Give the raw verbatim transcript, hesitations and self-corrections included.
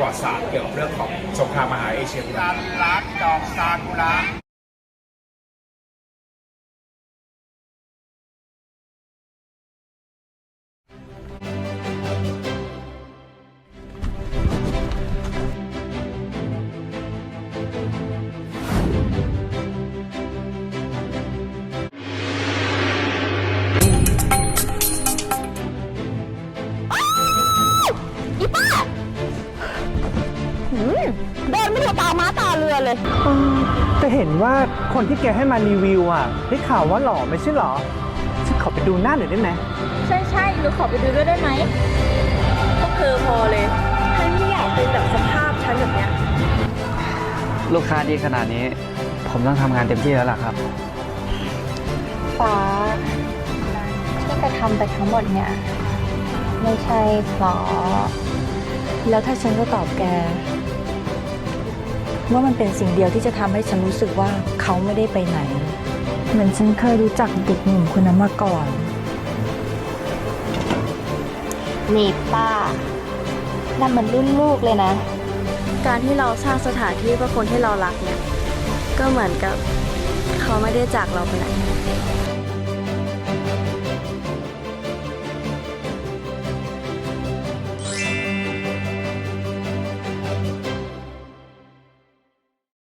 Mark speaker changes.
Speaker 1: ประวัติศาสตร์เกี่ยวกับเรื่องของสงครามมหาเอเชียการรักดอกซากุระ
Speaker 2: เดินไม่ดูตาม้าตาเรือเลย
Speaker 3: แต่เห็นว่าคนที่แกให้มารีวิวอ่ะได้ข่าวว่าหล่อไม่ใช่หรอฉันขอไปดูหน้าหน่อยได้ไหม
Speaker 2: ใช่ใช่หนูขอไปดูด้วยได้ไหมพวกเธอพอเลยฉันไม่อยากเป็นแบบสภาพฉันแบบเนี้ย
Speaker 4: ลูกค้าดีขนาดนี้ผมต้องทำงานเต็มที่แล้วล่ะครับ
Speaker 2: ฟ้าที่กระทำไปทั้งหมดเนี่ยไม่ใช่เพราะแล้วถ้าฉันก็ตอบแกว่ามันเป็นสิ่งเดียวที่จะทำให้ฉันรู้สึกว่าเขาไม่ได้ไปไหนเหมือนฉันเคยรู้จักเด็กหนุ่มคนนั้นมาก่อนนี่ป้านั่นมันรุ่นลูกเลยนะการที่เราสร้างสถานที่เพื่อคนที่เรารักเนี่ยก็เหมือนกับเขาไม่ได้จากเราไปไหน